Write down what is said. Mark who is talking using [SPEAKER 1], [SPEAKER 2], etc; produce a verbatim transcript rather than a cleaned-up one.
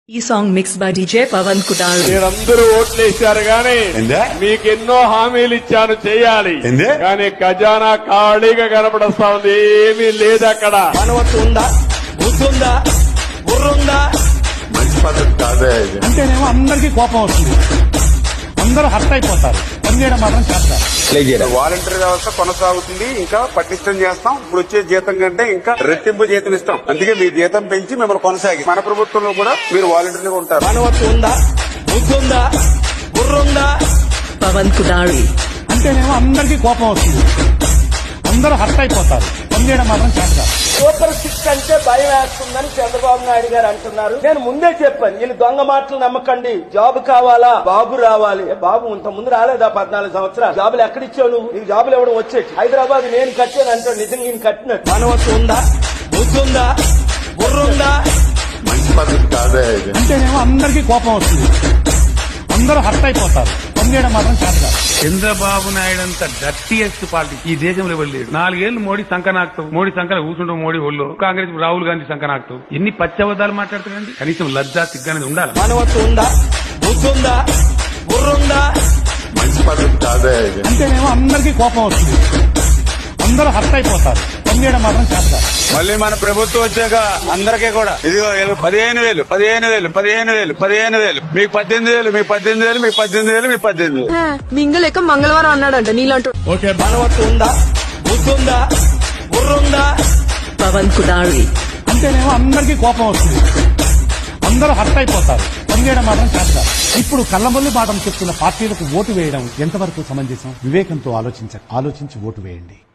[SPEAKER 1] ఈ song mix by DJ Pavan Kudal.
[SPEAKER 2] మీరందరూ ఓట్లేశారు గాని మీకెన్నో హామీలు ఇచ్చాను చేయాలి కానీ ఖజానా ఖాళీగా కనపడస్తా ఉంది. ఏమీ లేదు అక్కడ.
[SPEAKER 3] మనవత్తు ఉందా, బుద్ధుందా, బుర్రుందా?
[SPEAKER 4] మంచి పద్ధతి కాదే.
[SPEAKER 5] అంటేనేమో అందరికీ కోపం వస్తుంది, అందరూ హర్ట్ అయిపోతారు. పనిచేయడం మాత్రం చేస్తారు.
[SPEAKER 4] వాలంటీర్ వ్యవస్థ కొనసాగుతుంది, ఇంకా పటిష్టం చేస్తాం. ఇప్పుడు వచ్చే జీతం కంటే ఇంకా రెట్టింపు జీతం ఇస్తాం. అందుకే మీ జీతం పెంచి మిమ్మల్ని కొనసాగి మన ప్రభుత్వంలో కూడా మీరు వాలంటీర్గా ఉంటారు.
[SPEAKER 3] మనవత్తు ఉందా, బుద్ధుందా, బుర్రుందా?
[SPEAKER 1] పవన్ కుడాల్.
[SPEAKER 5] అంటేనేమో అందరికీ కోపం వస్తుంది, అందరూ హర్ట్ అయిపోతారు. పనిచేయడం మాత్రం చేస్తారు.
[SPEAKER 3] సూపర్ సిక్స్ అంటే భయం వేస్తుందని చంద్రబాబు నాయుడు గారు అంటున్నారు. నేను ముందే చెప్పాను, వీళ్ళు దొంగ మాటలు నమ్మకండి. జాబ్ కావాలా, బాబు రావాలి. బాబు ఇంత ముందు రాలేదా? పద్నాలుగు సంవత్సరాలు జాబులు ఎక్కడిచ్చావు నువ్వు? నీకు జాబులు ఇవ్వడం వచ్చేది. హైదరాబాద్ నేను కట్టాను అంటాడు, నిజంగా నేను కట్టినట్టు. మనవత్తు ఉందా, బుద్ధుందా, బుర్రుందా?
[SPEAKER 4] మంచి పద్ధతి కాదే.
[SPEAKER 5] అంటేనేమో అందరికీ కోపం వస్తుంది, అందరూ హర్ట్ అయిపోతారు. పనిచేయడం మాత్రం చేస్తారు.
[SPEAKER 6] చంద్రబాబు నాయుడు అంత డర్టీయెస్ట్ పార్టీ ఈ దేశంలో ఎవరు లేడు. నాలుగేళ్లు మోడీ సంకనాక్తావు, మోడీ సంకన కూర్చుంటావు, మోడీ ఒళ్ళు. కాంగ్రెస్ రాహుల్ గాంధీ సంకనాక్తావు. ఎన్ని పచ్చబద్దాలు మాట్లాడుతారండి? కనీసం లజ్జా సిగ్గానేది ఉండాలి.
[SPEAKER 3] మనవత్తు ఉందా, బుద్ధుందా, బుర్రుందా?
[SPEAKER 4] మంచి పద్ధతి కాదే.
[SPEAKER 5] అంటేనేమో అందరికీ కోపం వస్తుంది, అందరూ హర్ట్ అయిపోతారు. పనిచేయడం మాత్రం చేస్తారు.
[SPEAKER 7] మళ్ళీ మన ప్రభుత్వం వచ్చాక అందరికీ కూడా ఇదిగో పదిహేను వేలు పదిహేను వేలు పదిహేను వేలు పదిహేను వేలు మీకు పద్దెనిమిది వేలు మీకు పద్దెనిమిది వేలు మీకు పద్దెనిమిది వేలు మీకు పద్దెనిమిది వేలు
[SPEAKER 8] మింగలేక మంగళవారం అన్నాడంట నీలాంటి.
[SPEAKER 3] మనవత్తు ఉందా, బుద్ధుందా, బుర్రుందా?
[SPEAKER 1] పవన్ కుడాల్.
[SPEAKER 5] అంటేనేమో అందరికీ కోపం వస్తుంది, అందరూ హర్ట్ అయిపోతారు. పనిచేయడం మాత్రం చేస్తారు. ఇప్పుడు కళ్ళబొల్లి పాఠం చెప్తున్న పార్టీలకు ఓటు వేయడం ఎంతవరకు సమంజసం? వివేకంతో ఆలోచించ ఆలోచించి ఓటు వేయండి.